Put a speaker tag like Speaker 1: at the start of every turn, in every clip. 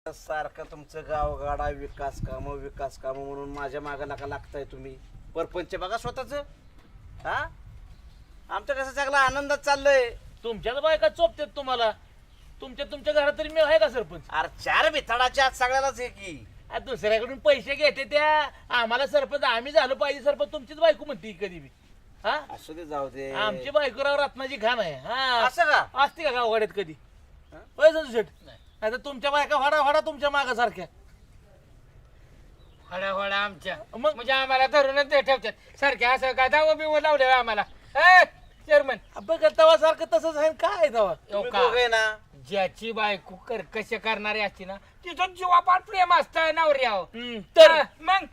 Speaker 1: सारखं तुमचं गावगाडा विकास काम म्हणून माझ्या मागाला का लागताय तुम्ही? परपंच बघा स्वतःच. हा, आमचं कसं चांगला आनंदात चाललंय.
Speaker 2: तुमच्याच बायका चोपतात तुम्हाला. तुमच्या घरात तरी मिळ आहे का सरपंच?
Speaker 1: अरे चार भिताडाच्या आत सगळ्यालाच आहे की.
Speaker 2: दुसऱ्याकडून पैसे घेते त्या आम्हाला सरपंच आम्ही झालो पाहिजे सरपंच. तुमचीच बायको म्हणते कधी बी. हा,
Speaker 1: असू दे, जाऊ दे.
Speaker 2: आमची बायको राव रत्नाची खान आहे. हा,
Speaker 1: असं का?
Speaker 2: असते का गावगाड्यात कधी? होय संजू शेठ? नाही तर तुमच्या बायका हडा तुमच्या मागासारख्या.
Speaker 3: हळा आमच्या
Speaker 2: मग?
Speaker 3: म्हणजे आम्हाला धरूनच ते ठेवतात सारख्या. असं काय दावा बिव लावले आम्हाला चेअरमन.
Speaker 2: बघ तवा सारखं तसंच आहे काय तवा.
Speaker 1: तुम्ही दोघे ना.
Speaker 3: ज्याची बायको कसे करणारी असते ना तिथं जीवापाड प्रेम असतं नवऱ्यावर.
Speaker 2: तर
Speaker 3: मग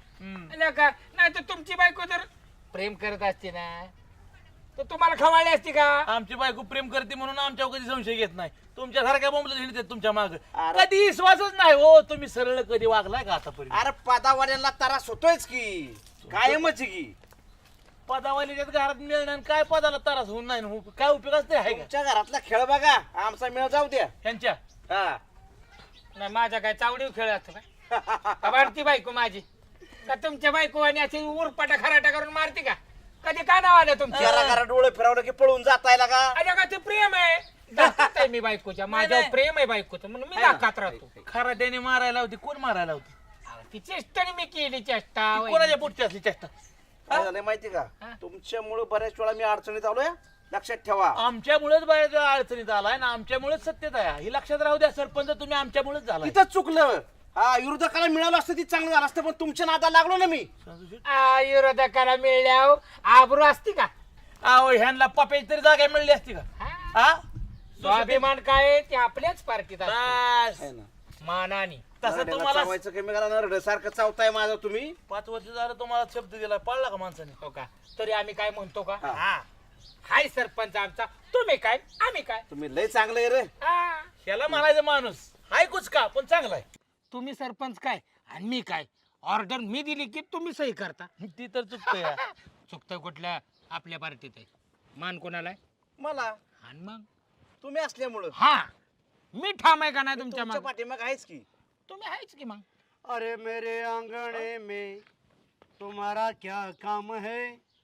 Speaker 3: नाही तर तुमची बायको जर प्रेम करत असते ना तर तुम्हाला खवाळली असती का?
Speaker 2: आमची बायको प्रेम करते म्हणून आमच्यावर कधी संशय घेत नाही. तुमच्यासारख्या बोंबलं हिंडतात तुमच्या माग.
Speaker 1: अरे.
Speaker 2: कधी विश्वासच नाही हो. तुम्ही सरळ कधी वागलाय का आतापर्यंत?
Speaker 1: अरे पदावाड्यांना त्रास होतोयच की, कायमच की.
Speaker 2: पदावालीच्या घरात मिळणार आणि काय पदाला त्रास होऊन नाही ना. काय उपयोगाच ते आहे का
Speaker 1: तुमच्या घरातला खेळ बघा, आमचा मेळ जाऊ द्या.
Speaker 2: त्यांच्या?
Speaker 1: हा.
Speaker 3: नाही माझा काय चावडीव खेळ असतो का? वाढती बायको माझी का तुमच्या बायको आणि अशी उरपाटा खराटा करून मारते का? कधी का नाव आलं तुमच्या?
Speaker 1: घरा डोळे फिरवलं की पळून जातायला का?
Speaker 3: अरे का ते प्रेम आहे. दाखवत आहे मी बायकोच्या. माझ्यावर
Speaker 2: नाही.
Speaker 3: प्रेम आहे बायकोचं म्हणून मी
Speaker 1: आहे ना?
Speaker 3: दाखवत राहतो.
Speaker 2: खरा त्याने मारायला होती. कोण मारायला होती?
Speaker 3: ती चेष्टा मी केली चेष्टा.
Speaker 2: ती कोणाच्या पुढची असली चेष्टा?
Speaker 1: काय झालंय माहिती का?
Speaker 3: हा?
Speaker 1: तुमच्यामुळे बऱ्याच वेळा मी अडचणीत आलोय, लक्षात ठेवा.
Speaker 2: आमच्यामुळेच बाहेर अडचणीत आलाय ना. आमच्यामुळेच सत्तेत आहे. ही लक्षात राहू द्या सरपंच. तुम्ही आमच्यामुळेच झालाय.
Speaker 1: तिथं चुकलं. हा, विरोधकाला मिळालं असतं ती चांगलं झालं असतं, पण तुमच्या नादाला लागलो ना मी.
Speaker 3: विरोधकाला मिळल्यावर आबरू असती का?
Speaker 2: अहो ह्यांना पप्याची तरी जागा मिळली असती का? हा,
Speaker 3: स्वाभिमान काय ते आपल्याच पार्टीत असतो.
Speaker 2: बस.
Speaker 1: आहे ना.
Speaker 3: मानानी.
Speaker 2: तसं
Speaker 1: नरड्याला
Speaker 2: तुम्हाला
Speaker 1: चावायचं कमी करा, नरड्यासारखं चावताय माझं तुम्ही.
Speaker 2: 5 वर्ष झालं तुम्हाला शब्द दिला. पाळला का माणसाने?
Speaker 3: हो का? तरी आम्ही काय म्हणतो का?
Speaker 1: हा.
Speaker 3: हा, हाय सरपंच आमचा. तुम्ही काय आम्ही काय?
Speaker 1: तुम्ही लय चांगलं आहे रे.
Speaker 3: हा.
Speaker 2: ह्याला म्हणायचं माणूस हाय कुच का पण चांगला आहे.
Speaker 3: तुम्ही सरपंच काय आणि मी काय? ऑर्डर मी दिली की तुम्ही सही करता.
Speaker 2: ती तर चुकतंय.
Speaker 3: चुकतं कुठल्या? आपल्या पार्टीत आहे. मान कोणाला आहे?
Speaker 1: मला
Speaker 3: आणि मग
Speaker 1: तुम्ही असल्यामुळं
Speaker 3: हा मी ठाम आहे का नाही तुमच्या
Speaker 1: तुमच्या
Speaker 3: मागे?
Speaker 1: पाठीमाग आहेच की.
Speaker 3: तुम्ही आहेच की मग.
Speaker 4: अरे मेरे आंगणे में तुम्हारा क्या काम है?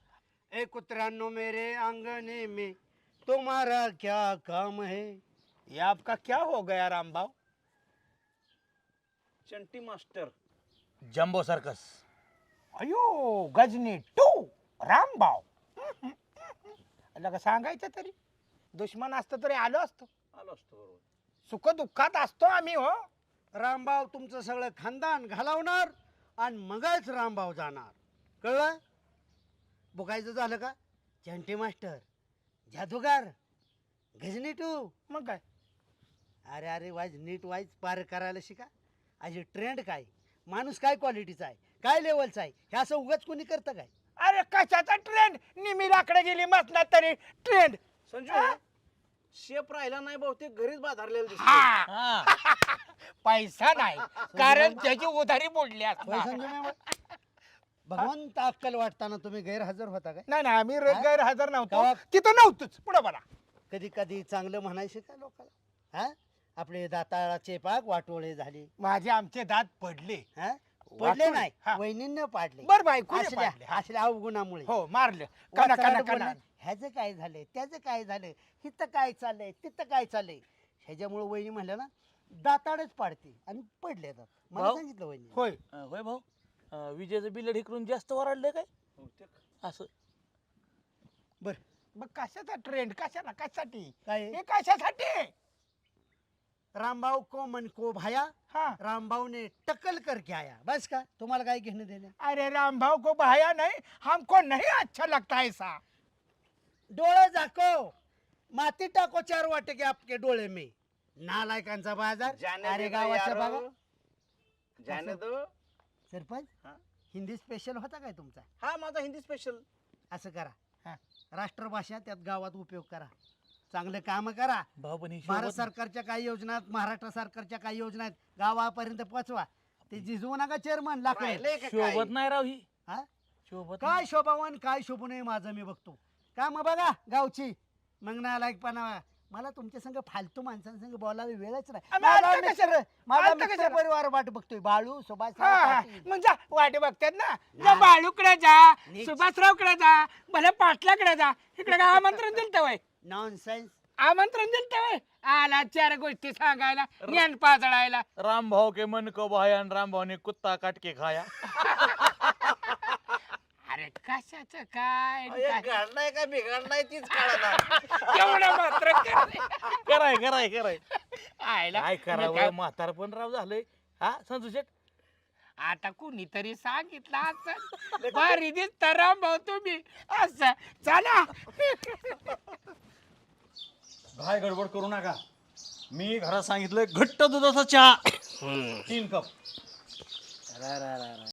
Speaker 4: ए कुतरानो मेरे आंगने में तुम्हारा क्या काम है?
Speaker 3: ये आपका क्या हो गया Rambhau?
Speaker 1: Chanti master.
Speaker 2: Jumbo circus.
Speaker 3: अयो गजनी टू रामभाऊ. का सांगायचं तरी दुश्मन असतं तरी आलो असतो.
Speaker 1: आलो असतो बरोबर.
Speaker 3: सुख दुःखात असतो आम्ही हो.
Speaker 4: रामभाऊ तुमचं सगळं खानदान घालवणार आणि मगच रामभाऊ जाणार. कळलं? बघायचं झालं का? चंटी मास्टर, जादूगार, गजनी टू.
Speaker 3: मग काय?
Speaker 4: अरे अरे वाईज नीट वाईज पार करायला शिका. अशी ट्रेंड काय, माणूस काय क्वालिटीचा आहे, काय लेवलचा आहे, हे असं उगाच कोणी करतं काय?
Speaker 3: अरे कशाचा ट्रेंड? निमी लाकडे गेली मसनात तरी ट्रेंड.
Speaker 1: संजू, शेप राहिला नाही बहुतेक घरीच बाजारलेला दिसतो.
Speaker 2: हा.
Speaker 3: पैसा नाही कारण त्याची उधारी मोडली
Speaker 4: होय
Speaker 3: असणार.
Speaker 4: संजू मॅम? भगवंत अक्कल वाटताना तुम्ही गैरहजर होता काय?
Speaker 3: नाही नाही आम्ही
Speaker 4: हा?
Speaker 3: गैरहजर नव्हतो.
Speaker 4: कवा?
Speaker 3: तिथं नव्हतोच. पुढे बोला.
Speaker 4: कधी कधी चांगलं म्हणायचं का लोकांना? हा, आपले दाताळाचे पाक वाटोळे झाले.
Speaker 3: माझे आमचे दात पडले.
Speaker 4: हा, पडले
Speaker 3: वाटोळे?
Speaker 4: नाही,
Speaker 3: हा.
Speaker 4: वहिनींना पाडले.
Speaker 3: बर बायको
Speaker 4: असल्या असल्या अवगुणामुळे.
Speaker 3: हो मारलं. कना
Speaker 4: वाचायला
Speaker 3: कना
Speaker 4: बोलले,
Speaker 3: कना.
Speaker 4: ह्याचं काय झालंय, त्याचं काय झालंय, हिथं काय चाललंय, तिथं काय चाललंय. ह्याच्यामुळे वहिनी म्हणल्या ना दाताडच पाडते आणि पडले दात. मला
Speaker 2: भाऊ?
Speaker 4: सांगितलं वहिनी.
Speaker 3: होय.
Speaker 2: होय भाऊ. विजेचं बिल ढिकरून जास्त वराडलंय काय
Speaker 1: बहुतेक.
Speaker 2: असं?
Speaker 4: बर
Speaker 3: मग कशाचा ट्रेंड? कशाला? कशासाठी?
Speaker 4: काय
Speaker 3: हे कशासाठी?
Speaker 4: रामभाऊ को मन को भाया,
Speaker 3: हा.
Speaker 4: रामभाऊ ने टक्कल करके आया. बस का? तुम्हाला काय घेणं देणं?
Speaker 3: अरे रामभाऊ को भाया नहीं, हमको नहीं अच्छा लगता ऐसा.
Speaker 4: डोळे झाको, माती टाको 4 वाटे के आपके डोळे में. नालायकांचा बाजार.
Speaker 1: जाने
Speaker 4: अरे
Speaker 1: दे ना
Speaker 4: गावाच्या
Speaker 1: यारो.
Speaker 4: बघा.
Speaker 1: जाने दो.
Speaker 4: सरपंच,
Speaker 1: हा?
Speaker 4: हिंदी स्पेशल होता काय तुमचा?
Speaker 1: हा, माझा हिंदी स्पेशल.
Speaker 4: असं करा,
Speaker 3: हा.
Speaker 4: राष्ट्रभाषा त्यात गावात उपयोग करा, चांगले काम करा.
Speaker 2: भाऊ पण ही
Speaker 4: भारत
Speaker 2: शोभत-
Speaker 4: सरकारच्या काही योजना आहेत, महाराष्ट्र सरकारच्या काही योजना आहेत, गावापर्यंत पोचवा. ते जिजवू नका चेअरमन लागले.
Speaker 1: राहिलंय का काय?
Speaker 2: शोभत नाही राव ही.
Speaker 4: हा?
Speaker 2: शोभत
Speaker 4: काय शोभावान काय शोभू नये माझं मी बघतो. काम बघा गावची. मग नालायकपणा मला तुमच्या संग फालतू माणसांसंग बोलायला वेळच नाही.
Speaker 3: आम्ही आलता
Speaker 4: माझा
Speaker 3: कशाला?
Speaker 4: माझा
Speaker 3: आलता
Speaker 4: मित्र
Speaker 3: कशाला?
Speaker 4: परिवार वाट बघतोय. बाळू सुभाष
Speaker 3: हा, हा.
Speaker 4: पाटील.
Speaker 3: मग जा वाटे बघतात ना जा
Speaker 4: नाही.
Speaker 3: बाळूकडे जा
Speaker 4: नीट.
Speaker 3: सुभाषरावकडे जा भले पाटलाकडे जा इकडे काय आमंत्रण दिलं वय
Speaker 4: नॉनसेन्स.
Speaker 3: आमंत्रण दिलं वय आला 4 गोष्टी सांगायला ज्ञान पाजळायला
Speaker 2: राम भाव के मन को भाया आणि राम भाव ने कुत्ता काट के खाया.
Speaker 3: अरे कशाचं काय काय?
Speaker 1: घडलाय का बिघडलाय तीच काढा.
Speaker 3: एवढं मात्र
Speaker 2: कराय कराय कराय
Speaker 3: आयला
Speaker 2: काय
Speaker 3: मग
Speaker 2: करावं
Speaker 3: काय?
Speaker 2: म्हातार पण राव झालंय. हा संजू शेठ
Speaker 3: आता कुणीतरी सांगितलं असं भारी दिसता राम भाऊ तुम्ही असं चला
Speaker 5: काय गडबड करू नका. मी घरात सांगितलंय घट्ट दुधाचा चहा 3 कप.